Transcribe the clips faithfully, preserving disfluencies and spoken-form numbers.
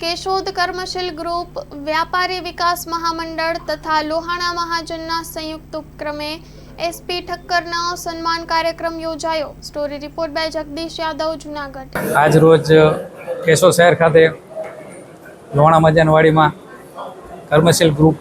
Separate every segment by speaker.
Speaker 1: केशोद कर्मशील ग्रुप व्यापारी विकास महामंडल तथा लोहाणा महाजनना संयुक्त उपक्रमे एसपी ठक्करनो सन्मान कार्यक्रम योजायो। Story report by Jagdish Yadav, Junagadh.
Speaker 2: आज रोज केशोद शहर खाते लोहाणा महाजनवाड़ी में कर्मशील ग्रुप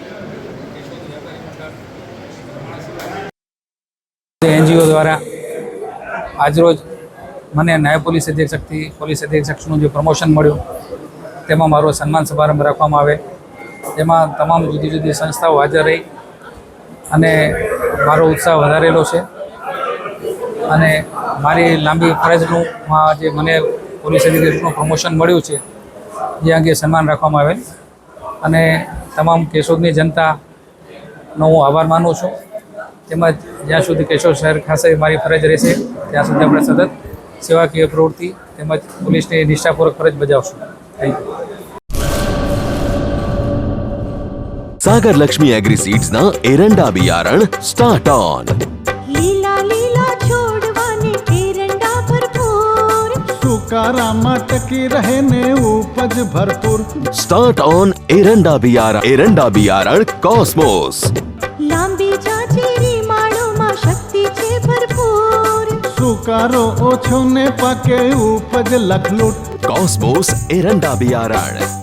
Speaker 2: एनजीओ द्वारा आज रोज मैंने नायब पोलीस अधीक्षक थी पोलीस अधीक्षकનું जो प्रमोशन મળ્યું તેમાં મારો સન્માન સમારંભ રાખવામાં આવે। તેમાં તમામ જુદી જુદી સંસ્થાઓ હાજર રહી અને મારો ઉત્સાહ વધારેલો છે અને મારી લાંબી ફરજનું જે મને પોલીસ અધિક્ષકનું પ્રમોશન મળ્યું છે એ અંગે સન્માન રાખવામાં આવેલ અને તમામ કેશોદની જનતાનો હું આભાર માનું છું। તેમજ જ્યાં સુધી કેશોદ શહેર ખાસે મારી ફરજ રહેશે ત્યાં સુધી આપણે સતત સેવાકીય પ્રવૃત્તિ તેમજ પોલીસની નિષ્ઠાપૂર્વક ફરજ બજાવશું। Thank you.
Speaker 3: Sagar Lakshmi agri seeds ना एरंडा बियारण स्टार्ट ऑन।
Speaker 4: लीला लीला छोड़वाने एरंडा भरपूर, सुकारामा टकी रहे ने उपज भरपूर।
Speaker 3: स्टार्ट ऑन एरंडा बियारण एरंडा बियारण कॉस्मोस।
Speaker 4: लांबी जाचेरी माळो मा शक्ति छे भरपूर, सुकारो ओछो ने पाके उपज लखलूट।
Speaker 3: कॉस्मोस एरंडा बियारण।